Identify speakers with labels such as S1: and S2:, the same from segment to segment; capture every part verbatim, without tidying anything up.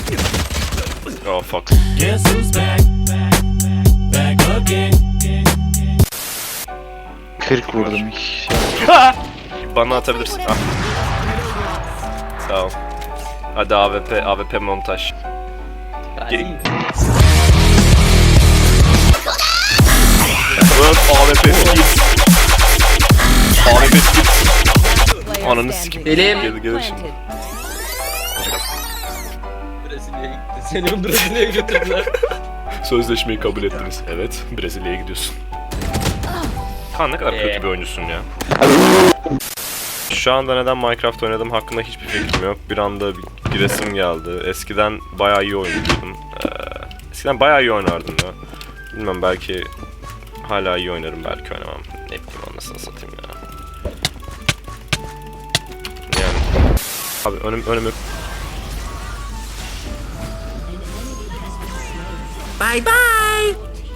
S1: Oh fuck.
S2: Guess who's back? Back again.
S3: kırk vurdum.
S1: Bana atabilirsin. Ah. Sağ ol. Hadi A W P, A W P montaj. Geri... Evet, A W P skills. A W P skills. Ananı sikip.
S4: Elim.
S1: Gelir gelir şimdi.
S4: Brezilya'ya gitti. Seni Brezilya'ya götürdüler.
S1: Sözleşmeyi kabul ettiniz. Evet, Brezilya'ya gidiyorsun. Kaan ne kadar
S4: Ee.
S1: kötü bir oyuncusun ya. Şu anda neden Minecraft oynadım hakkında hiçbir fikrim yok. Bir anda bir giresim geldi. Eskiden bayağı iyi oynuyordum. Ee, eskiden bayağı iyi oynardım ya. Bilmem belki hala iyi oynarım, belki oynamam. Ne bileyim anasını satayım ya. Yani abi önüm önümü
S4: Bye bye.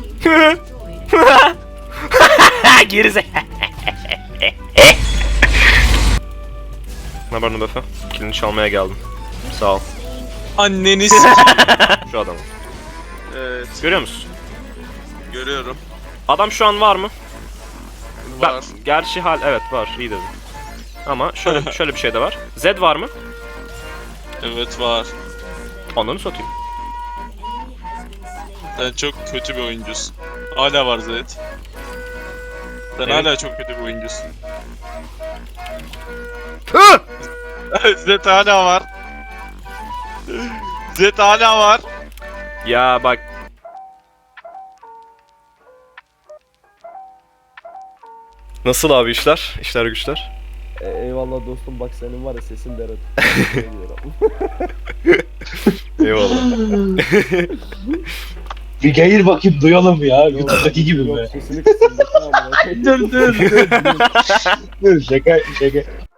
S1: Gerize. Ne haber Nubefe? Kilini çalmaya geldim. Sağ ol.
S5: Anneniz.
S1: Şu adamı.
S5: Evet,
S1: Görüyor musun?
S5: görüyorum.
S1: Adam şu an var mı? Ben,
S5: Var.
S1: gerçi hal evet var, iyi dedim. Ama şöyle şöyle bir şey de var. Zed var mı?
S5: Evet var.
S1: Ananı satayım.
S5: Sen çok kötü bir oyuncusun. Hala var Zed. Sen
S1: Evet.
S5: hala çok kötü bir oyuncusun. Zed hala var. Zed hala var.
S1: Ya bak. Nasıl abi işler? İşler güçler?
S6: E, eyvallah dostum, bak senin var ya sesin deret.
S1: Eyvallah.
S3: Bir gayır bakayım duyalım ya. YouTube'daki gibi
S6: Yok,
S3: mi?
S6: sesini kısın. bakın amına koyayım.
S3: Dur dur dur. Dur şaka şaka.